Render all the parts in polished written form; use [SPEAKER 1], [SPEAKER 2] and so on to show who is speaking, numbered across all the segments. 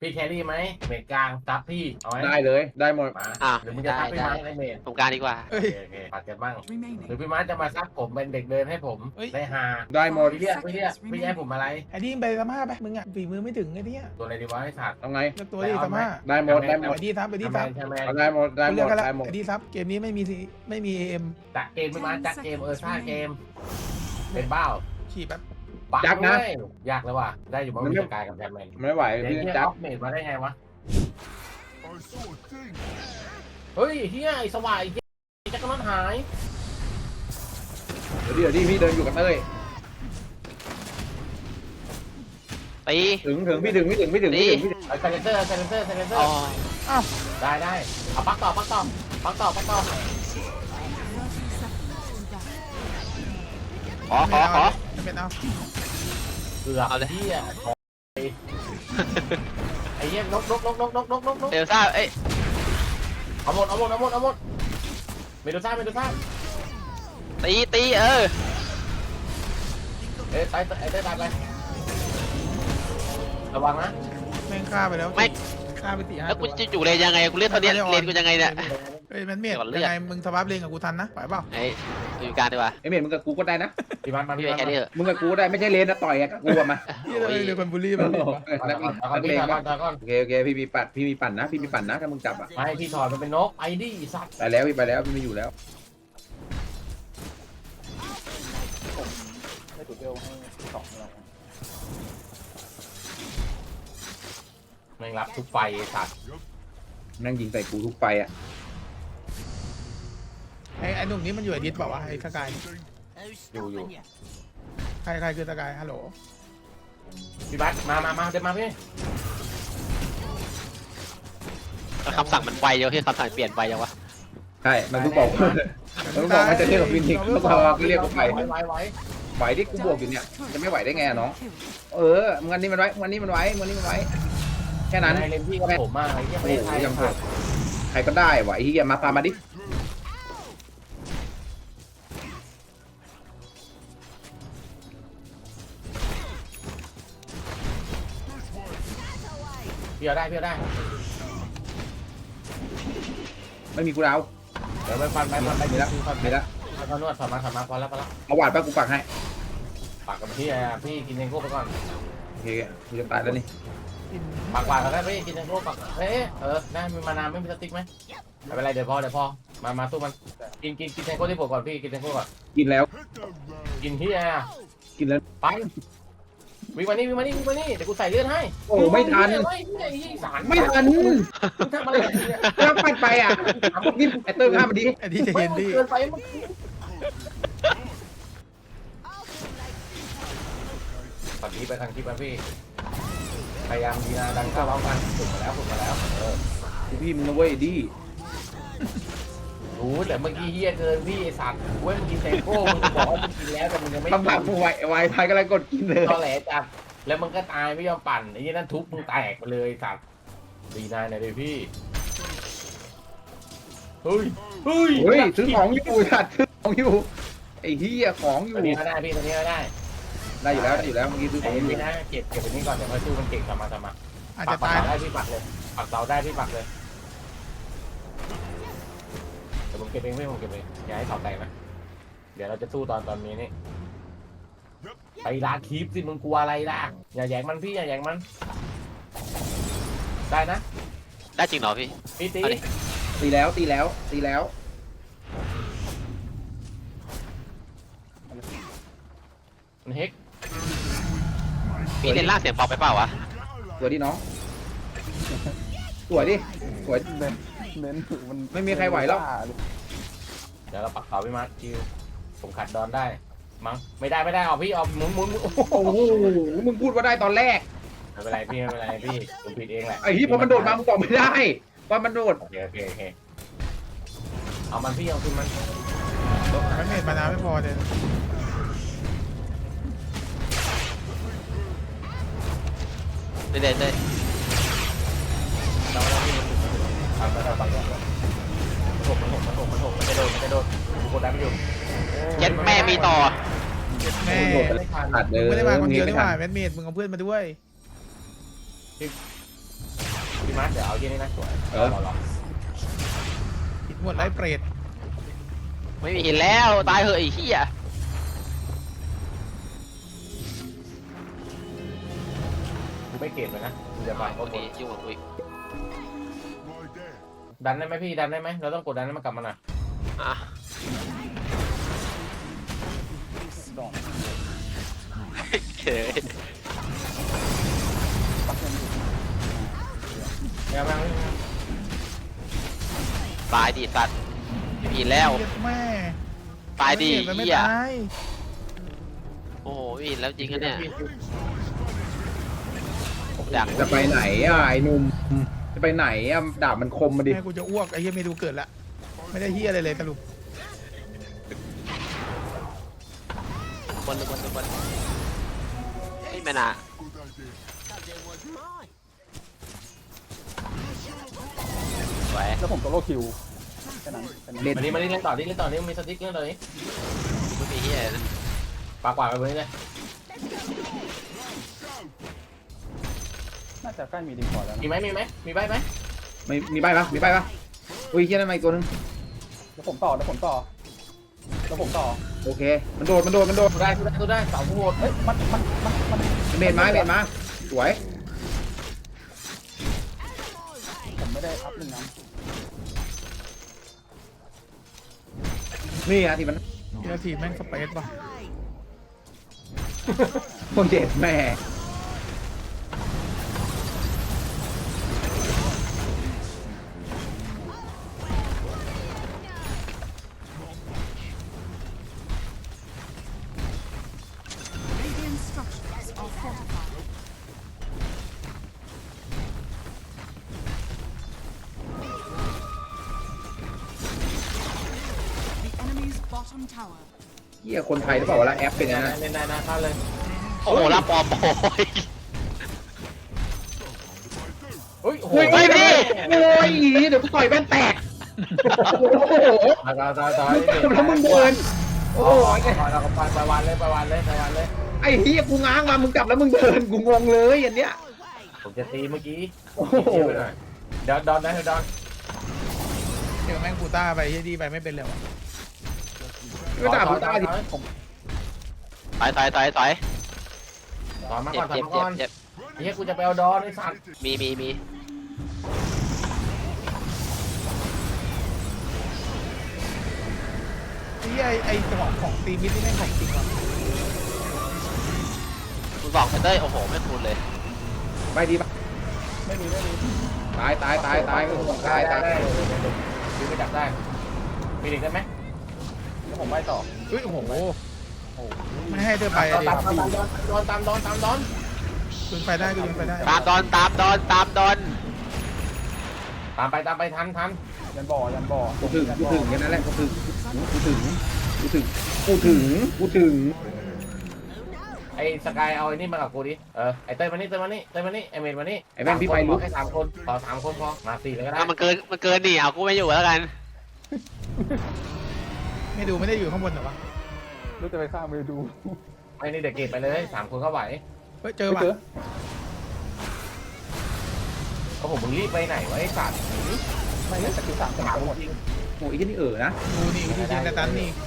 [SPEAKER 1] พี่แครี่ไหมเมดกลางซับพี่เอาไหม
[SPEAKER 2] ได้เลยได้หมด
[SPEAKER 1] มา
[SPEAKER 3] อ่ะ
[SPEAKER 1] หรือมึงจะซับพี่
[SPEAKER 3] ได้
[SPEAKER 1] ไม้ในเมด
[SPEAKER 3] ตรงกลางดีกว่า
[SPEAKER 1] โอเคโอเคปัดกันบ้างหรือพี่ไม้จะมาซับผมเป็นเด็กเดินให้ผมได้ฮา
[SPEAKER 2] ได้หมด
[SPEAKER 1] พี่ให้ผมอะไร
[SPEAKER 4] ไอ้นี่ไปสมาไปมึงอ่ะฝีมือไม่ถึงไอ้เนี่ย
[SPEAKER 1] ตัวอะไรดีวะให้สัตว์
[SPEAKER 2] เอาไง
[SPEAKER 4] เลือกตัวดิสมา
[SPEAKER 2] ได้หมดได้หมด
[SPEAKER 4] ไอ้ดีซับไอ้ดีซับ
[SPEAKER 1] ใช่ไหม
[SPEAKER 2] เอาได้หมดได้หม
[SPEAKER 4] เลือก
[SPEAKER 2] ด
[SPEAKER 4] กันละ
[SPEAKER 2] ได้หมด
[SPEAKER 4] ไอ้ดีซับเกมนี้ไม่มีเอ็ม
[SPEAKER 1] จักเกมพี่ไม้จักเกมซ่าเกมเป็นเบ้า
[SPEAKER 4] ขี่แป๊บ
[SPEAKER 1] ปักเลยยากแล้วว่ะได้อยู่บ้างมีสกายกับแบทแมน
[SPEAKER 2] ไม่ไหว
[SPEAKER 1] เดี๋ยว
[SPEAKER 2] พี่
[SPEAKER 1] เฮีย
[SPEAKER 2] จั
[SPEAKER 1] อ
[SPEAKER 2] บ
[SPEAKER 1] อฟเมดมาได้ไงวะเฮ้ยเฮียไอ้สวายจักรนนหาย
[SPEAKER 2] เดี๋ยวดิพี่เดินอยู่กับเต้ย
[SPEAKER 3] ตี
[SPEAKER 2] ถึงพี่ถึงพี่ถึง
[SPEAKER 1] ไอ้ไซเลนเซอร์
[SPEAKER 3] อ๋อ
[SPEAKER 4] อ้าว
[SPEAKER 1] ได้เอาปักต่อ
[SPEAKER 3] ขอ
[SPEAKER 4] จะเป็นเอา
[SPEAKER 1] เกือบ
[SPEAKER 3] เอาเลย
[SPEAKER 1] เฮียไอ้เฮียนก
[SPEAKER 3] เอลซ่าเอ้ย
[SPEAKER 1] เอาหมดเมดูซ่า
[SPEAKER 3] ตีเออ
[SPEAKER 1] ตายไประวังนะ
[SPEAKER 4] แม่งฆ่าไปแล้ว
[SPEAKER 3] ไม่
[SPEAKER 4] ฆ่าไป4-5
[SPEAKER 3] แล้วกู
[SPEAKER 4] ตัว
[SPEAKER 3] จะอยู่เลนยังไงกูเล่นเท่านี้เลนกูยังไงเนี่ย
[SPEAKER 4] เฮ้ยมันเมีย
[SPEAKER 3] ก่อนเลือก
[SPEAKER 4] ยังไงมึงสวาร์ปเลนกับกูทันนะไหวเปล่า
[SPEAKER 3] ไอ้อยู่กลางดีกว่า
[SPEAKER 2] ไอเมย์มึงกับกูก็ได้นะ
[SPEAKER 1] พี่มันมา
[SPEAKER 3] พี่ไปแค่นี้เถอะ
[SPEAKER 2] มึงกับกูได้ไม่ใช่เลนนะต่อยกับกูมา
[SPEAKER 4] ที่เราเรียกคนบูลลี่มัน
[SPEAKER 1] ก่อน
[SPEAKER 2] โอเคพี่มีปั่นนะพี่มีปั่นนะถ้ามึงจับอ่ะ
[SPEAKER 1] ไม่พี่ถอดมันเป็นนกไอ้ดิสัตว์
[SPEAKER 2] ไปแล้วพี่ไปแล้วพี่ไม่อยู่แล้ว
[SPEAKER 5] ไม่ถูกเบลให้สองเรา
[SPEAKER 1] แม่งรับทุกไฟสัตว์
[SPEAKER 2] นั่งยิงใส่กูทุกไฟอ่ะ
[SPEAKER 4] ไอ้หนุ่มนี้มันอยู่ไอ้ดิสเปล่าวะไอ้สกาย
[SPEAKER 1] อยู่
[SPEAKER 4] ใครคือสกายฮัลโหล
[SPEAKER 1] พี่บัสมาเดินมาพี่
[SPEAKER 3] คำสั่งมันไวเยอะที่คำสั่งเปลี่ยนไปยังวะ
[SPEAKER 2] ใช่มันเพิ่งบอกมันเพิ่งบอกมันจะเรียกกับฟินิกเขาบอกก็เรียกกูไป
[SPEAKER 1] ไว้
[SPEAKER 2] ไหวที่กูบวกอยู่เนี่ยจะไม่ไหวได้ไงน้องงั้นนี่มันไว้งั้นนี่มันไว้แค่นั้น
[SPEAKER 1] ในเลนพี่กับผมมากไอ้เหี้ยไม่ได้ไทย
[SPEAKER 2] ยังโหดใครก็ได้ไหวที่มาตามมาดิ
[SPEAKER 1] พี่เอาได้
[SPEAKER 2] ไม่มีกูดาว
[SPEAKER 1] เดี๋ยวไปฟันไป
[SPEAKER 2] มีแล้วมีแล้ว
[SPEAKER 1] เขานวดถอดมาพอแล้ว
[SPEAKER 2] เอาหวาดป้ากูปักให้
[SPEAKER 1] ปากกับพี่กินเองโก้ไปก่อน
[SPEAKER 2] โอเคกูจะตายแล้วนี่
[SPEAKER 1] ปากหวานก็ได้พี่กินเองโก้ปากได้มีมานานไม่มีสติ๊กไหมไม่เป็นไรเดี๋ยวพอมาสู้มันกินเองโก้ที่ผมก่อนพี่กินเองโก้ก่อน
[SPEAKER 2] กินแล้ว
[SPEAKER 1] กินที่
[SPEAKER 2] กินแล้ว
[SPEAKER 1] ไปวิ่งมานี่เดี๋ยวกูใส่เลือดให้
[SPEAKER 2] โอ้ไม่ทัน ไม่ทัน
[SPEAKER 1] มึงทำอะไรเนี่ย
[SPEAKER 2] ถ้าปัดไปอ่ะนี่ไอเติ้ลข้ามมาดิ
[SPEAKER 4] ไอ้ที่จะเห็นดิ
[SPEAKER 1] เกินไปมึงฝั่งนี้ไปทางที่พี่พยายามดีนะดังเข้าร้องกันฝึกมาแล้ว
[SPEAKER 2] พี่มึงนะเว้ยดิ
[SPEAKER 1] รู้แต่เมื่อกี้เฮียเกินพี่ไอสัตว์เว้ยมึงกินเซโก้มึงบอกว่ามึงกินแล้วแต่มึงยังไม่
[SPEAKER 2] คำถามมึงไวพายกำลังกดกินเลย
[SPEAKER 1] ตอแหลจัดแล้วมึงก็ตายไม่ยอมปั่นไอ้ยี่นั่นทุบมึงแตกไปเลยสัตว์ดีนายนะเลยพี่เฮ้ย
[SPEAKER 2] ซื้อของอยู่สัตว์ซื้อของอยู่ไอ้เหี้ยของอยู่
[SPEAKER 1] ตัวนี้ก็ได้พี่ตัวนี้ก็ได้
[SPEAKER 2] ได้อยู่แล้วเมื่อกี้ซื้อข
[SPEAKER 1] ไอ้
[SPEAKER 2] องอยู่
[SPEAKER 1] พี่นะเก็บไปนี้ก่อนเดี๋ยวค่อยสู้มันเก่งทำมา
[SPEAKER 4] อาจ
[SPEAKER 1] ปั
[SPEAKER 4] จะ
[SPEAKER 1] ก
[SPEAKER 4] ตาย
[SPEAKER 1] เสาได้พี่ปักเลยปักเสาได้พี่ปักเลยเดี๋ยวผมเก็บเองอย่าให้เสาแตกนะเดี๋ยวเราจะสู้ตอนนี้นี่ไปลาคีปสิมึงกลัวอะไรล่ะอย่าแย่งมันพี่อย่าแย่งมันได้นะ
[SPEAKER 3] ได้จริงเหรอพี่
[SPEAKER 1] พี่ตี
[SPEAKER 3] เอาดิ
[SPEAKER 2] ตีแล้ว
[SPEAKER 1] มันเฮก
[SPEAKER 3] พี่เล่นล่างเสียงเบาไปเปล่าวะ
[SPEAKER 2] สวยดิน้องสวย
[SPEAKER 5] เน้นถือมัน
[SPEAKER 2] ไม่มีใครไหวแล้ว
[SPEAKER 1] เดี๋ยวเราปักเสาพี่มาร์คคิวผมขัดดอนได้มั้งไม่ได้ออกพี่ออกหมุน
[SPEAKER 2] โอ้โหมึงพูดว่าได้ตอนแรก
[SPEAKER 1] ไม่เป็นไรพี่ผมผิดเองแหละ
[SPEAKER 2] ไอ้ที่พอมันโดดมามึงบอกไม่ได้ว่ามันโดด
[SPEAKER 1] โอเคเอามันพี่เอาขึ้นมัน
[SPEAKER 4] มันเม็ดมานาไม่พอเลย
[SPEAKER 3] เล่น
[SPEAKER 1] เราพี่เราปักมันจะโดนกดได้ไม่อยู่
[SPEAKER 3] ยัดแม่มีต่อ
[SPEAKER 4] แม่
[SPEAKER 1] ไม่ทัน
[SPEAKER 2] ขาดเลย
[SPEAKER 4] ไม่ได้มาคนเดียว
[SPEAKER 2] ไม่
[SPEAKER 4] นี่ห
[SPEAKER 2] ทั
[SPEAKER 4] ว่าน แมทเมดมึงเอาเพื่อนมาด้วย
[SPEAKER 1] พี่มาร์คเดี๋ยวเอาที่นี่นะสวยรอ
[SPEAKER 4] ผิดหมดไร้เปรต
[SPEAKER 3] ไม่มีหินแล้วตายเหอะไอ้เหี้ย
[SPEAKER 1] กูไม่เก็บเลยนะกูจะไป
[SPEAKER 3] โอเคยุ่งกับกูอีก
[SPEAKER 1] ดันได้ไหมพี่ดันได้ไหมเราต้องกดดันให้มันกลับมาหน่อย
[SPEAKER 3] อ่ะ
[SPEAKER 5] ดอก
[SPEAKER 3] เฮ้ย
[SPEAKER 5] ปักเงินอยู่
[SPEAKER 1] ยัง
[SPEAKER 3] ตายดิสัตว์ไม่มีหินแล้ว
[SPEAKER 4] เหี้ยแม่
[SPEAKER 3] ตายดิ
[SPEAKER 4] มันไม่
[SPEAKER 3] เหี้ย
[SPEAKER 4] ตาย
[SPEAKER 3] โอ้โหไม่มีหินแล้วจริงกันเนี่ยอยาก
[SPEAKER 2] จะไปไหนอ่ะไอ้หนุ่มจะไปไหนอ่ะดาบมันคมมาดิ
[SPEAKER 4] แม่กูจะอ้วกไอ้เหี้ยเมดูเกิดละไม่ได้เหี้ยอะไรเลยสรุป
[SPEAKER 3] คนไม่น่าสวย
[SPEAKER 5] แล้วผมโซโล่คิวแค่นั้นแค่นั้น
[SPEAKER 2] เล่น
[SPEAKER 1] มานี่เล่นต่อนี่มีสติ๊กเล่นต่อนี้
[SPEAKER 3] ไม่มีเหี้ยนะ
[SPEAKER 1] ปากกว่าไปบนนี้เลย
[SPEAKER 5] น่าจะใกล้มีดีพอแล้วนะ
[SPEAKER 1] มีไหมมีใบไหม
[SPEAKER 2] ไม่มีใบปะมีใบปะอุ้ยเฮียนั่นมาอีกตัวนึง
[SPEAKER 5] แล้วผมต่อ
[SPEAKER 2] โอเคมันโดด
[SPEAKER 1] กูได้เสาผู้โหด
[SPEAKER 5] เฮ้ยมัน
[SPEAKER 2] เบนมาสวย
[SPEAKER 5] ผมไม่ได้อัพหนึ่งนะ
[SPEAKER 2] นี่อะที่มัน
[SPEAKER 4] เหี้ยทีแม่งสเปซว่ะ
[SPEAKER 2] โคตรเด็ดแม่ เฮียคนไทยหรือเปล่าวะละแอปเป็นยังไง
[SPEAKER 1] เล่นได้นะเข้าเลย
[SPEAKER 3] โอ้โหรับปอมโอย
[SPEAKER 1] เฮ้ยโอ้โห
[SPEAKER 2] โอ้ยพี่โอ้ยเดี๋ยวกูต่อยแว่นแตกโอ้โห
[SPEAKER 1] ต่อย
[SPEAKER 2] แล้วมึงเดินโอ้
[SPEAKER 1] โอ้
[SPEAKER 2] ย
[SPEAKER 1] ยเราก็ไปวันเลย
[SPEAKER 2] ไอ้เฮียกูง้างมามึงจับแล้วมึงเดินกูงงเลยอันเนี้ย
[SPEAKER 1] ผมจะตีเมื่อกี้
[SPEAKER 2] โอ้โห
[SPEAKER 1] เดี๋ยวดอนนะเดี๋ยวดอน
[SPEAKER 4] เดี๋ยวแม่งกูต้าไปเหี้ยดีไปไม่เป็นเลยวะ
[SPEAKER 2] ก็ด่ากูตายดิ
[SPEAKER 3] ถอย
[SPEAKER 1] ต่อมาก่อน
[SPEAKER 3] เจ็บ
[SPEAKER 1] เฮ้ยกูจะไปเอาดอนไอ้สัตว์
[SPEAKER 3] มี
[SPEAKER 4] เหี้ยไอ้ของตีมิดนี่แม่งของจริงว่ะ
[SPEAKER 3] คุณบอกเต้ยโอ้โหไม่คูณเลย
[SPEAKER 2] ไปดีปะ
[SPEAKER 5] ไม่มี
[SPEAKER 2] ตายตาย
[SPEAKER 1] ดูไปจับได้มีเด็กได้ไหม
[SPEAKER 5] แล้วผมไม่ต่อ
[SPEAKER 4] เฮ้ยโอ้โห
[SPEAKER 5] โอ้โห
[SPEAKER 4] ไม่ให้เธอไปอะดิ
[SPEAKER 1] ตามดอน
[SPEAKER 4] คุณไปได้ก็ยังไปได้
[SPEAKER 3] ตามดอน
[SPEAKER 1] ตามไปทัน
[SPEAKER 5] ยันบ่อ
[SPEAKER 2] กูถึงแค่นั้นแหละกูถึง
[SPEAKER 1] ไอ้สกายเอาไอ้นี่มากับกูดิไอ้เต้ยมานี่ไอ้เมนมานี่
[SPEAKER 2] ไอ้แม่งพี่ไปลุก
[SPEAKER 1] ให้3 คนต่อ3 คนพอมา4เลยก็ได้
[SPEAKER 3] มันเกินนี่เอากูไม่อยู่แล้วกัน
[SPEAKER 4] ไม่ดูไม่ได้อยู่ข้างบนเหรอวะ
[SPEAKER 5] รู้จะไปฆ่ามือดู
[SPEAKER 1] ไม่นี่เด็กเก็บไปเลย3 คนก็ไหว
[SPEAKER 4] เฮ้ยเจอว่ะ
[SPEAKER 1] โอ้โหมึงรีบไปไหนวะไอ้สัตว์
[SPEAKER 5] ไม่ได้สกิล3ผมหมด
[SPEAKER 1] จริง
[SPEAKER 2] โอ้ยนี่นะ
[SPEAKER 4] กูนี่วิธียิงแต่ตันนี่กู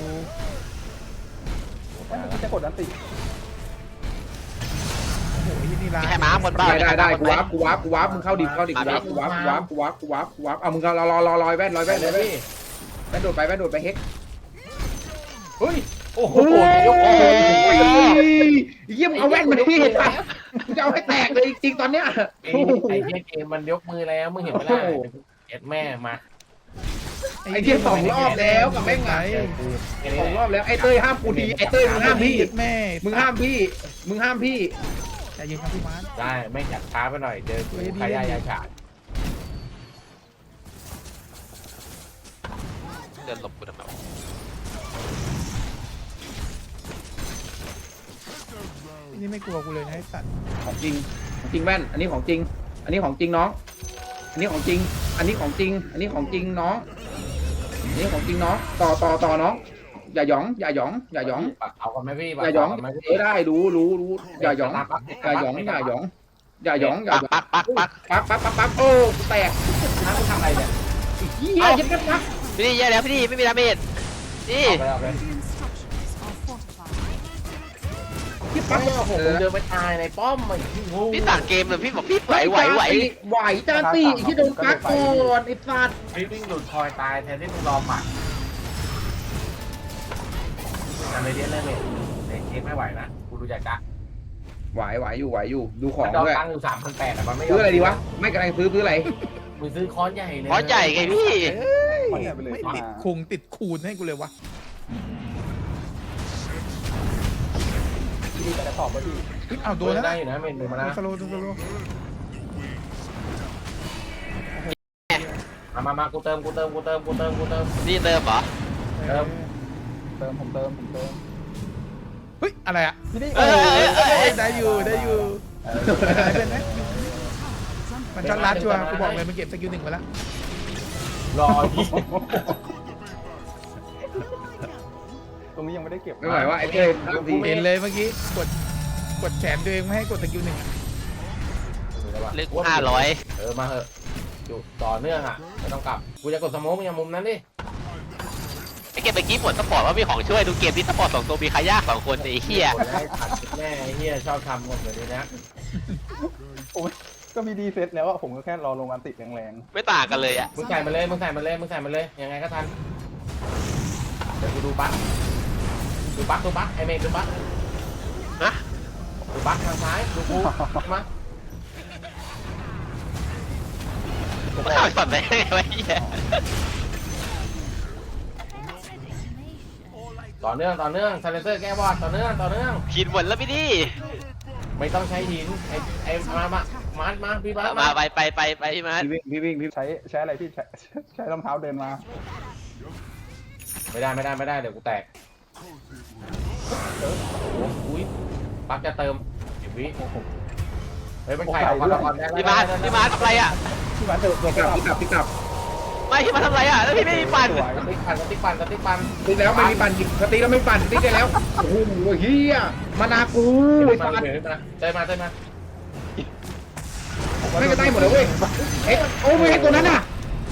[SPEAKER 5] ไม่จะกดอันติ
[SPEAKER 4] โอ้โหไอ้ที่นี่ร้าย
[SPEAKER 3] มีใครมาบนบ้าน
[SPEAKER 2] ได้กูวาร์ปมึงเข้าดิกูวาร์ปเอามึงรอแว่น
[SPEAKER 1] ไปเลยพี่
[SPEAKER 2] แว่นโดดไปเฮ็ก
[SPEAKER 1] เฮ้ยโอ้โห
[SPEAKER 2] โอ้ยเยี่ยมเอาแว่นมาดิจะเอาให้แตกเลยจริงตอนเนี้ย
[SPEAKER 1] ไอ้เกมมันยกมือแล้วมึงเห็นไหมล่ะเอ็ดแม่มา
[SPEAKER 2] ไอ้เที่ย2 รอบแล้วกับแม่งไง 2 รอบแล้วไอ้เต้ยห้ามกูดีไอ้เต้ยมึงห้ามพี่
[SPEAKER 4] แม่
[SPEAKER 2] มึงห้ามพี่
[SPEAKER 4] แต่ยิงครับพี่มาร์ค
[SPEAKER 1] ได้ไม่จัดช้าไปหน่อยเจอกูขายายาฉาด
[SPEAKER 3] เดินหลบกูทำไม
[SPEAKER 4] นี่ไม่กลัวกูเลยนะไอ้สัตว์
[SPEAKER 2] ของจริงแว่นอันนี้ของจริงน้องอันนี้ของจริงน้องต่อน้องอย่าหยอง
[SPEAKER 1] เอากันไหมพี่
[SPEAKER 2] อย่าหยองได้รู้อย่าหยองอย่าหยองอย่าหยอง
[SPEAKER 3] ปัก
[SPEAKER 2] ปักโอ้กูแตก
[SPEAKER 1] น้ำมึงทำอะไรเนี่ย
[SPEAKER 2] เฮียยัดกันปัก
[SPEAKER 3] พี่ดีแย่แล้วพี่ดีไม่มีดาเมจนี่
[SPEAKER 1] เอาไป
[SPEAKER 2] ที่
[SPEAKER 1] ปั
[SPEAKER 2] ปั
[SPEAKER 1] ก
[SPEAKER 2] ก
[SPEAKER 1] โอ้โหมึงเดินไปตายในป้อมไอ้ที่งู
[SPEAKER 3] พี่สั่งเกมเลยพี่บอกพี่ไหว
[SPEAKER 2] ไหวจานตีที่โดนปักก่อนไอ้สัตว์
[SPEAKER 1] ไอ้วิ่งหลุดคอยตายแทนที่มึงรอหมัดทำอะไรเดียเลยเนี่ยในเกมไม่ไหวนะกูดูจากกะ
[SPEAKER 2] ไหวอยู่ดูของ
[SPEAKER 1] ดอก
[SPEAKER 2] ด้วย
[SPEAKER 1] ตังค์อยู่3,800มันไม่ยอม
[SPEAKER 2] ซื้ออะไรดีวะไม่กำลังซื้ออะไร
[SPEAKER 1] มึงซื้อค้อนใหญ่เลย
[SPEAKER 3] เพราะใหญ่ไงพี่
[SPEAKER 5] มันเนี่ยไปเลย
[SPEAKER 4] ไม่
[SPEAKER 5] มา
[SPEAKER 4] ติดคุงติดคูณให้กูเลยวะ
[SPEAKER 5] พี่จะตอบว่าพี่
[SPEAKER 4] เฮ้ยเอาโด
[SPEAKER 1] โด
[SPEAKER 4] น
[SPEAKER 1] น
[SPEAKER 4] แล้ว
[SPEAKER 1] ได้
[SPEAKER 4] นะ
[SPEAKER 1] อยู่นะเมนดูมานะ
[SPEAKER 4] สโลว์สโลว์
[SPEAKER 1] มากูเติม
[SPEAKER 3] นี่เติมเหรอ
[SPEAKER 5] ผมเติม
[SPEAKER 4] เฮ้ยอะไรอ่ะ
[SPEAKER 5] พี่นี่
[SPEAKER 3] เอ้ย
[SPEAKER 4] ได้อยู่ได้เป็นไหมมันช็อตลัดชัวร์กูบอกเลยมันเก็บสกิล1ไปแล้ว
[SPEAKER 1] รอที่
[SPEAKER 5] ตรงนี้ยังไม่ได้เก็บ
[SPEAKER 2] ไม่ไหวว่าไอ้เจ้ย
[SPEAKER 4] เห็นเลยเมื่อกี้กดแขนตัวเองไม่ให้กดสกิล1
[SPEAKER 3] ลึก500
[SPEAKER 1] มาเหอะอยู่ต่อเนื่องอ่ะไม่ต้องกลับกูจะกดสโมกมึงอย่างมุมนั้นดิ
[SPEAKER 3] ไอเกมเมื่อกี้ปวดสปอร์ตว่ามีของช่วยดูเกมที่สปอร์ต2ตัวมีใครยาก2คนไอ้เหี้ย
[SPEAKER 1] กดให้ขัดแม่ไอ้เฮียชอบทำหมดเลยนะ
[SPEAKER 5] โอ้ยก็มีดีเซตแล้วอะผมก็แค่รอลงอันติแรง
[SPEAKER 3] ไม่ต่างกันเลยอ่ะ
[SPEAKER 1] มึงใส่มาเลยยังไงก็ทันเดี๋ยวกูดูบั๊กไอเมย์ดูบั๊ก
[SPEAKER 3] ฮะ
[SPEAKER 1] ดูบั๊กทางซ้ายดูกูมา
[SPEAKER 3] มันเข้าช็อตได้ไงวะเหี้ย
[SPEAKER 1] ต่อเนื่องซาเลเซอร์แก้วอดต่อเนื่อง
[SPEAKER 3] ขีดหมดแล้วพี่ดี
[SPEAKER 1] ไม่ต้องใช้หินไอมาพี่บั๊ก
[SPEAKER 3] มาไปพี่มา
[SPEAKER 2] พี่วิ่ง
[SPEAKER 5] ๆใช้อะไรพี่ใช้รองเท้าเดินมา
[SPEAKER 1] ไม่ได้เดี๋ยวกูแตกอุ้ยบั๊กจะเติม10 วิเฮ้ยมันไข่ออกมาก่อน
[SPEAKER 3] พี่มาทำไรอ่ะ
[SPEAKER 5] พี่มันเถอะ
[SPEAKER 2] พี่กลับ
[SPEAKER 3] ไม่พี่มาทำไรอ่ะแล้วพี่ไม่มีปั่น
[SPEAKER 5] สวย
[SPEAKER 1] ติ๊กปั่น
[SPEAKER 2] ตีแล้วไม่มีปั่นสตีแล้วไม่ปั่นตีได้แล้วโอ้โหเฮียมานากูไอ้สัตว์
[SPEAKER 1] เต้มา
[SPEAKER 2] ไม่ก็ได้หมดเลยเว้ยเอ๊ะโอ้ไม่ให้ตัวนั้นอ่ะ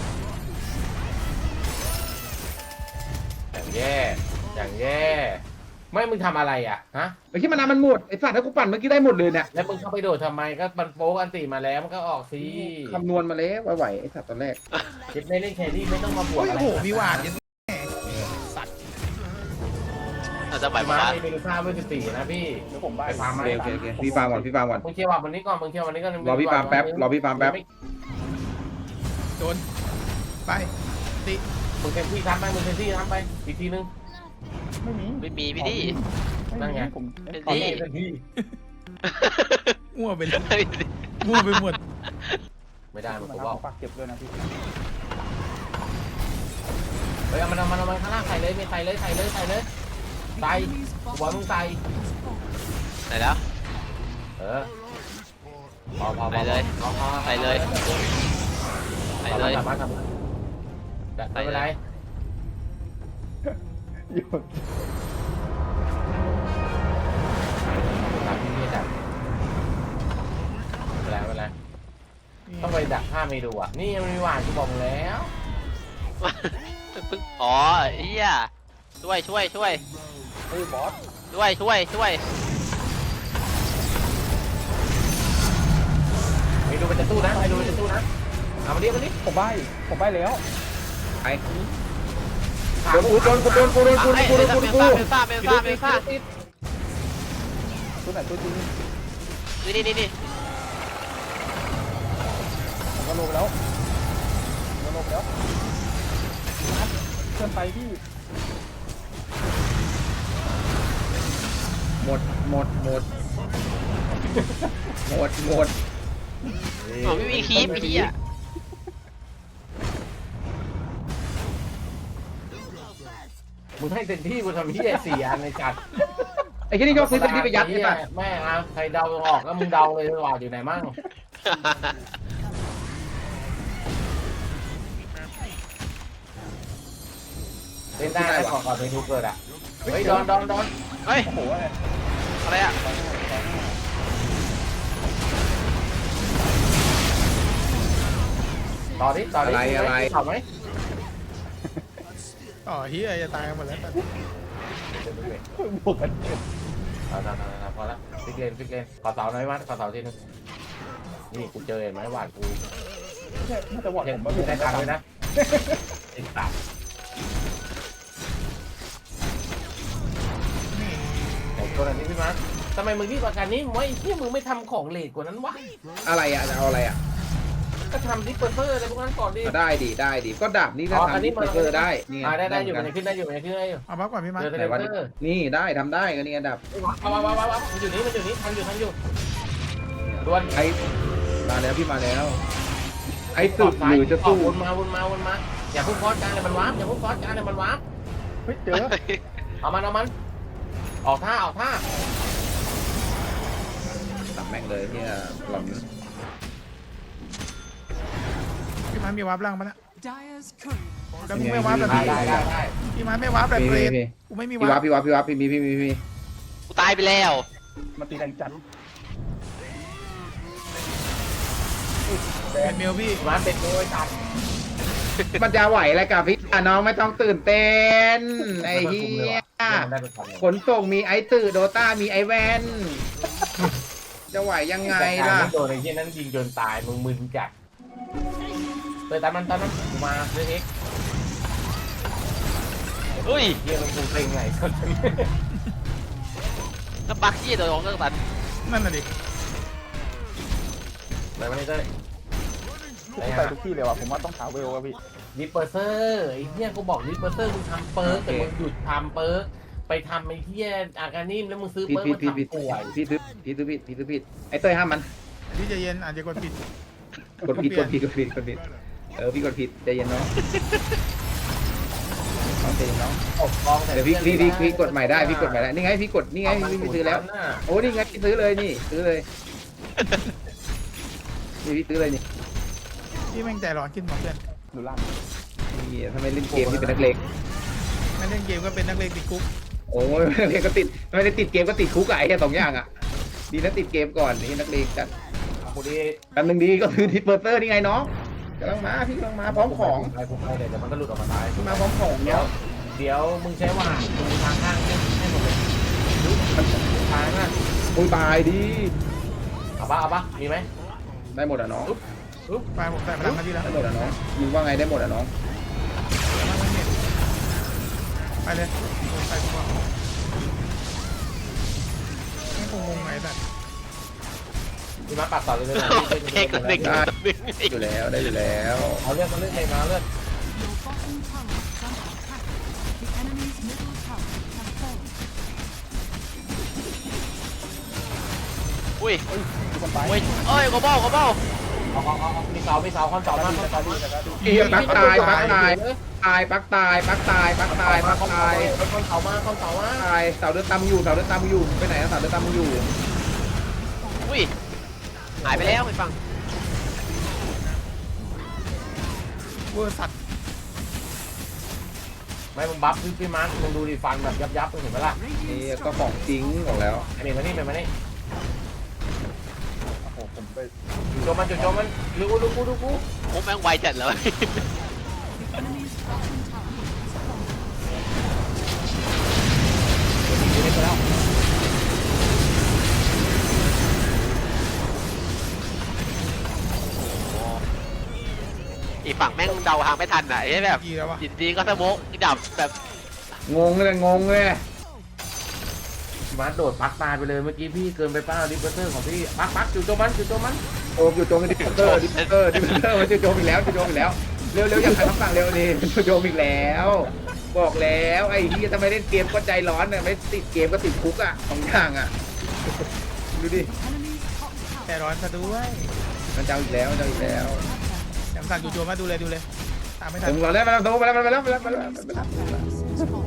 [SPEAKER 1] อย่างแย่ไม่มึงทำอะไรอ่ะฮะ
[SPEAKER 2] ไอ้ที่มานามันหมดไอ้สัตว์ถ้ากูปั่นเมื่อกี้ได้หมดเลยเนี่ย
[SPEAKER 1] แล้วมึงเข้าไปโดดทำไมก็มันโป๊กอันตีมาแล้วมันก็ออกสิ
[SPEAKER 2] คำนวณมาแล้วไหวไอ้สัตว์ตอนแรก
[SPEAKER 1] คิดไม่เล่นแครี่ไม่ต้องมาบวก
[SPEAKER 4] โอ้ย
[SPEAKER 1] อะไร
[SPEAKER 4] โอ้โหมีหวาดยัน
[SPEAKER 3] เราจะไหว
[SPEAKER 1] มา
[SPEAKER 3] มา
[SPEAKER 1] ไม่มีค่าเวท14นะพี่
[SPEAKER 5] เดี๋ยวผมได้
[SPEAKER 1] ไปฟาร์ม
[SPEAKER 2] โอเคพี่ฟาร์มก่อน
[SPEAKER 1] มึงเชี่ยววันนี้ก่อนก็
[SPEAKER 2] รอพี่ฟาร์มแป๊บ
[SPEAKER 4] โดนไปติ
[SPEAKER 1] มึงเต็มที่ทำไปอีกทีนึง
[SPEAKER 5] ไม่มี
[SPEAKER 3] ไม่มีพี่ดี
[SPEAKER 1] นั่นไง
[SPEAKER 5] ผม
[SPEAKER 3] เป็น
[SPEAKER 5] ตอน
[SPEAKER 3] ดี
[SPEAKER 5] นี้
[SPEAKER 1] เต็มที่
[SPEAKER 4] มั่วไปเลยมั่วไปหมด
[SPEAKER 1] ไม่ได้มึง
[SPEAKER 5] มา
[SPEAKER 1] กู
[SPEAKER 5] ทำ
[SPEAKER 1] บอก
[SPEAKER 5] ฝากเก็บด้วยนะพี่
[SPEAKER 1] เฮ้ยเอามันข้างล่างใส่เลยไม่ใส่เลยใส่หัวมึงใส่
[SPEAKER 3] ไหนแล้ว
[SPEAKER 1] พอ
[SPEAKER 3] ใส่เลย
[SPEAKER 1] ไม่เป็นไร
[SPEAKER 5] หยุด
[SPEAKER 1] ไม่เป็นไรต้องไปดักผ้าไม่ดูอ่ะนี่มันมีหวานกูบอกแล้ว
[SPEAKER 3] อ๋อเฮียช่วย
[SPEAKER 5] เฮ้ยบอส
[SPEAKER 1] ไม่ดูมันจะตู้นะเอามาดิ
[SPEAKER 5] ผมใบ้แล้ว
[SPEAKER 2] ไปโดนกู
[SPEAKER 3] เป็นซ่า
[SPEAKER 5] ตัวไหนตัวจริง
[SPEAKER 3] นี่
[SPEAKER 5] ผมก็ลงแล้วเพื่อนไปพี่
[SPEAKER 2] หมด
[SPEAKER 3] ผมไม่มีคีบพี่อ่ะ
[SPEAKER 1] มึงให้เต็มที่กูทำที่4 อันในจัด
[SPEAKER 2] ไอ้ที่นี่ก็ซื้อที่ไปยัดใช่ปะ
[SPEAKER 1] แม่เอาใครเดาออกก็มึงเดาเลยว่าอยู่ไหนมั่งเล่นได้ก่อนไปดูเกิดอ่ะเฮ้ยดอน
[SPEAKER 3] เฮ้ย
[SPEAKER 5] โอ้โหอะไร
[SPEAKER 3] อะไรอ่ะ
[SPEAKER 1] ต่อดิต่อดิ
[SPEAKER 2] อะไร
[SPEAKER 1] ต่อไหม
[SPEAKER 4] อ๋อเฮียจะตายกันหมดแล้ว
[SPEAKER 5] บวกกัน
[SPEAKER 1] เอาพอละฟิกเลนขอเสาหน่อยวัดขอเสาทีนึงนี่กูเจอเห็นไหมหวาดกู
[SPEAKER 5] น่าจะวอด
[SPEAKER 1] เห็
[SPEAKER 5] ผ
[SPEAKER 1] น
[SPEAKER 5] ม
[SPEAKER 1] มึ
[SPEAKER 5] มาง อยู่
[SPEAKER 1] ได้
[SPEAKER 5] ใน
[SPEAKER 1] ตัง
[SPEAKER 5] กา
[SPEAKER 1] ค์
[SPEAKER 5] ร
[SPEAKER 1] เลยนะไอ้สัตว์ไอ้ตัวนี้พี่มาร์คทำไมมึงรีบกว่ากันนี้ไว้ที่มึงไม่ทำของเลทกว่านั้นวะ
[SPEAKER 2] อะไรอ่ะจะเอาอะไรอ่ะ
[SPEAKER 1] ก็ทำดิปเปอร์เซอร์อะไรพวกนั้นก่อนดิ
[SPEAKER 2] ได้ดิก็ดาบนี่ก็ทำดิปเปอร์ได้นี่ไง
[SPEAKER 1] ได้อยู่
[SPEAKER 2] เหมื
[SPEAKER 1] มั
[SPEAKER 2] อน น
[SPEAKER 1] ขึ้นได้อยู่
[SPEAKER 4] เอาบัฟก่อนพี่มา
[SPEAKER 1] เจอ
[SPEAKER 2] ไหน
[SPEAKER 1] เท
[SPEAKER 2] วัน
[SPEAKER 1] เลเตอร์
[SPEAKER 2] นี่ได้ทำได้ก็นี่ไงดาบ
[SPEAKER 1] ว้าวมันอยู่นี่ทันอยู่ดวน
[SPEAKER 2] ไอ้มาแล้วพี่มาแล้ว ไอ้สุดหรือจะสู้
[SPEAKER 1] วนมาอย่าพุ่งฟอสกลางเลยมันวาร์ปอย่าพุ่งฟอสกลางเลยมันวาร์ป
[SPEAKER 5] เฮ้ยเจอ
[SPEAKER 1] เอามันออกท่า
[SPEAKER 2] ตับแม่งเลยเนี่ยหล่อน
[SPEAKER 4] พี่มามีวาร์ปล่างปะเนี่ย
[SPEAKER 6] Dyer's courier.
[SPEAKER 4] แล้วมึงไม่วาร์ปแบบ
[SPEAKER 1] ได้
[SPEAKER 4] นี้
[SPEAKER 1] ได้
[SPEAKER 4] พี่มาไม่วาร์ปแบบ
[SPEAKER 2] พี่
[SPEAKER 4] เกรด
[SPEAKER 2] พี่
[SPEAKER 4] กูไม่มี
[SPEAKER 2] พี่
[SPEAKER 4] วา
[SPEAKER 2] วั
[SPEAKER 4] ร์
[SPEAKER 2] บ
[SPEAKER 4] ป
[SPEAKER 2] พี่วับพี่มี
[SPEAKER 3] กูตายไปแล้ว
[SPEAKER 5] มาตีแรงจัด
[SPEAKER 4] เป็นเมลพี่
[SPEAKER 1] มันเป็นโวยตัด
[SPEAKER 2] มันจะไหวอะไรกับพี่น้องไม่ต้องตื่นเต้นไอ้เหี้ยขนส่งมีไอ้ตื่นโดต้ามีไอ้แวนจะไหวยังไงล่ะ
[SPEAKER 1] โดนไอ้ที่นั้นยิงจนตายมึงมึนจัดเลยตามมันกูมาเรื่องเอ็ก
[SPEAKER 3] อุ้ย
[SPEAKER 1] เฮียมันกูเซ็งไง
[SPEAKER 3] แล้วบักกี้โดนเรื่องตัน
[SPEAKER 4] นั่นน่ะดิ
[SPEAKER 1] ไปมาเลยเต้ย
[SPEAKER 5] พี่ไปทุกที่เลยว่ะผมว่าต้องหาเวลว่ะพี่
[SPEAKER 1] ดิปเปอร์เซอร์ไอ้เฮียกูบอกดิปเปอร์เซอร์มึงทำเปิร์กแต่มึงหยุดทำเปิร์กไปทำไอ้เฮียอาการนิ่มแล้วมึงซื้อ
[SPEAKER 2] พี่
[SPEAKER 1] เปิร์ก
[SPEAKER 2] พี่
[SPEAKER 1] มา
[SPEAKER 2] พี่พี่
[SPEAKER 1] ทำป่วย
[SPEAKER 2] พี่ซื้อไอ้เต้ยห้ามมัน
[SPEAKER 4] พี่ใจเย็นอาจจะกดผิด
[SPEAKER 2] กดผิดพี่กดผิดใจเย็นน้องใจเย็นน้อง
[SPEAKER 1] ตบกองแต่
[SPEAKER 2] เดี๋ยวพี่กดใหม่ได้พี่กดใหม่ได้นี่ไงพี่กดนี่ไงพี่ซื้อแล้วโอ้นี่ไงพี่ซื้อเลยนี่ซื้อเลยนี่พี่ซื้อเลยนี่
[SPEAKER 4] พี่แม่งใจร้อนขึ้นหมดเพื่อน
[SPEAKER 5] ดูล่าง
[SPEAKER 2] นี่ทำไมเล่นเกมที่เป็นนักเลง
[SPEAKER 4] งั้นเล่นเกมก็เป็นนักเลงติดคุก
[SPEAKER 2] โอ้ยนักเลงก็ติดไม่ได้ติดเกมก็ติดคุกไอ้แค่2อย่างอ่ะดีนะติดเกมก่อนนี่นักเลงจัด
[SPEAKER 1] กูดี
[SPEAKER 2] อันหนึ่งดีก็คือทิปเปอร์เตอร์นี่ไงน้องกำลังมาพี่กำลังมาพร้อมของ
[SPEAKER 1] ไปเดี๋ยวมันก็หลุดออกมาตาย
[SPEAKER 2] พี่มาพร้อมของ
[SPEAKER 1] เดี๋
[SPEAKER 2] เนาะ
[SPEAKER 1] ยวมึงใช้ว่ามึงทางข้างให้หมดเลยทางน่ะ
[SPEAKER 2] โอ้ยตายดิ
[SPEAKER 1] เอาปะมีไหม
[SPEAKER 2] ได้หมดอ่ะน้อง
[SPEAKER 4] ไปผมใส่พลังมาพี่แล้ว
[SPEAKER 2] ได้หมดอ่ะน้องมึงว่าไงได้หมดอ่ะน้อง
[SPEAKER 4] ไปเลยไปดีกว่าไม่คงงงไงแต่
[SPEAKER 1] มีมาปักต่อเลย
[SPEAKER 3] เอกหนึ่ง
[SPEAKER 2] ได้อยู่แล้วได้อยู่แล้ว
[SPEAKER 1] เอาเลือดเลยมาเลือด
[SPEAKER 6] Your bottom tower is under attack. The enemy's middle tower has fallen.
[SPEAKER 3] อุ้ย
[SPEAKER 5] ทุกคนตาย
[SPEAKER 3] อุ้ยเอ้ยกระบอก
[SPEAKER 1] เอามีเสาคอนเสามาคอนเสาดี
[SPEAKER 2] เอียปักตายปักตายปักตายปักตายปักตายปักตาย
[SPEAKER 1] คอนเสามา
[SPEAKER 2] ตายเสาเดินตามอยู่เสาเดินตามอยู่ไปไหนเสาเดินตามอยู่
[SPEAKER 3] อุ้ยหายไปแล้วไปฟัง
[SPEAKER 4] เวอร์สัตว์
[SPEAKER 1] ไม่มึงบัฟพี่มาร์คมึงดูดิฟันแบบยับมึงเห็นไหมล่ะ
[SPEAKER 2] นี่ก็ของจริงบอกแล้ว
[SPEAKER 1] ไอ้เมย์มานี่
[SPEAKER 5] โอ้โหผมไป
[SPEAKER 1] จุดโจมันดูกู
[SPEAKER 3] โอ้แม่งไวจัดเลย
[SPEAKER 6] The enemy's bottom tower has fallen.
[SPEAKER 1] ไปแล้ว
[SPEAKER 3] อีกฝั่งแม่งเดาทางไม่ทันอ่ะไอ้แบบ
[SPEAKER 4] กี่แล้ววะ
[SPEAKER 3] ยินดีก็สโมกดับแบบ
[SPEAKER 2] งงเลย
[SPEAKER 1] พี่มาร์คโดดปักตายไปเลยเมื่อกี้พี่เกินไปป้าดิปเปอร์เตอร์ของพี่ปักจุดโจมัน
[SPEAKER 2] โอ้อยู่ตรงดิปเตอร์มันจะโจมอีกแล้วเร็วอยากใครคำสั่งเร็วนี่มันจะโจมอีกแล้วบอกแล้วไอ้ที่ทำไมเล่นเกมก็ใจร้อนเนี่ยไม่ติดเกมก็ติดคุกอ่ะสองอย่างอ่ะดูดิ
[SPEAKER 6] Enemy's top tower
[SPEAKER 4] ใจร้อนซะด้วย
[SPEAKER 2] มันจะเอาอีกแล้ว
[SPEAKER 4] แถมสั่งจู่โจมมาดูเลยตามไม่ทัน
[SPEAKER 2] ถึงเราได้มาแล้วโตมาแล้ว
[SPEAKER 6] has fallen.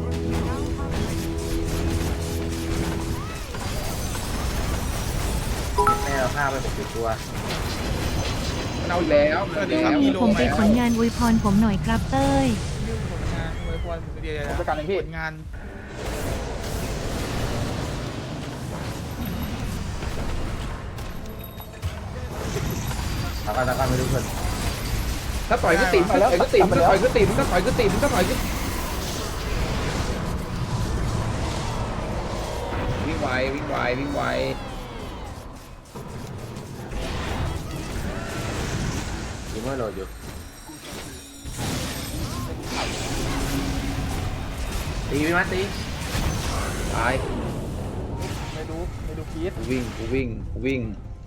[SPEAKER 6] Now have
[SPEAKER 1] แม่เอาผ้าไป60ตัว
[SPEAKER 2] มันเอาอีกแล้ว
[SPEAKER 7] ผมไปผลงานอวยพรผมหน่อยครับเต้ย
[SPEAKER 4] เรื่องผลงานอวยพรเดียว
[SPEAKER 5] ผมจัดการเองพี่
[SPEAKER 4] ผลงาน
[SPEAKER 1] ตะการไม่รู้คน
[SPEAKER 2] ถ้าต่อยก็ติ่มถ้าต่อยก็ติ่มถ้าต่อยก็ติ่มถ้าต่อยก็ติ่มถ้าต่อยก็วิ่งไววิ่งไววิ่งไว
[SPEAKER 1] ยิงไม่โหลดอยู่ ตีพี่มัดตี
[SPEAKER 2] ตาย
[SPEAKER 5] ไม่ดูพีท
[SPEAKER 2] กูวิ่งกูวิ่งกูวิ่ง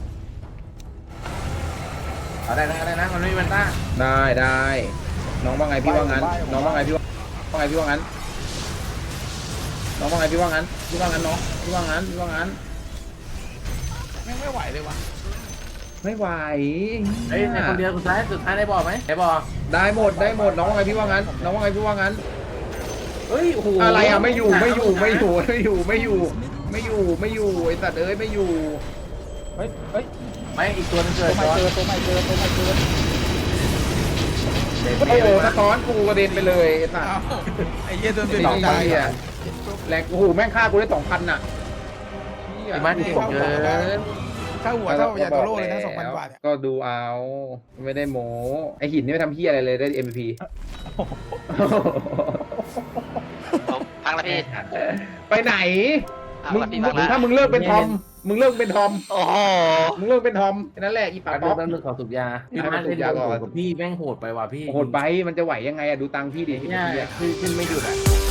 [SPEAKER 1] เอาได้นะมันไม่มีมันต้า
[SPEAKER 2] ได้ได้น้องว่าไงพี่ว่างั้นน้องว่าไงพี่ว่าไงพี่ว่างั้นน้องว่าไงพี่ว่างั้นพี่ว่างั้นน้องพี่ว่างั้นพี่ว่างั้น
[SPEAKER 4] ไม่ไหวเลยวะ
[SPEAKER 2] ไม่ไหว
[SPEAKER 1] เฮ้ยในคนเดียวสุดท้ายได้บอไหมได้บอ
[SPEAKER 2] ได้หมดได้หมดน้องว่าไงพี่ว่างั้นน้องว่าไงพี่ว่างั้น
[SPEAKER 1] เฮ้ยโอ้โห
[SPEAKER 2] อะไรอ่ะไม่อยู่ไอ้สัตว์เอ้ยไม่อยู่
[SPEAKER 5] เฮ้ย
[SPEAKER 1] ไม่อีกตัวนึงเกิ
[SPEAKER 5] ตัว
[SPEAKER 1] ด
[SPEAKER 5] ใหม่เจอตัวใหม่เจอ
[SPEAKER 2] โอ้โหสะท้อนกูกระเด็นไปเลยไอ้สัตว์
[SPEAKER 4] อ้าวไอ้เหี้ยโดนเป็น
[SPEAKER 2] สอง
[SPEAKER 4] ใจ
[SPEAKER 2] พันอ่ะแหลกโอ้โหแม่งฆ่ากูได้2,000น่ะ
[SPEAKER 1] พี่มัดที่ผมเกิน
[SPEAKER 4] ถ้าหัวเท่ายาโตโร่เลยนะ2,000 บาท
[SPEAKER 2] ก็ดูเอาไม่ได้โม้ไอหินนี่ไม่ทำเฮียอะไรเลยได้ MVP
[SPEAKER 3] พักแล้วพี่
[SPEAKER 2] ไปไหน
[SPEAKER 3] พัก
[SPEAKER 2] มึง
[SPEAKER 3] แล้วพี่พักแล้ว
[SPEAKER 2] ถ้ามึงเลิกเป็นทอมมึงเลิกเป็นทอม
[SPEAKER 3] โอ้โห
[SPEAKER 2] มึงเลิกเป็นทอมแค่นั้นแหละอีปาก
[SPEAKER 1] แป๊บ
[SPEAKER 2] ป๊
[SPEAKER 1] นึ
[SPEAKER 2] อง ก
[SPEAKER 1] ขอสูบยาพี่มัดเล่นโหดกับพี่แม่งโหดไปว่ะพี่
[SPEAKER 2] โหดไปมันจะไหวยังไงอะดูตังค์พี่ดิ
[SPEAKER 1] เนี่ยขึ้นไม่หยุดอ่ะ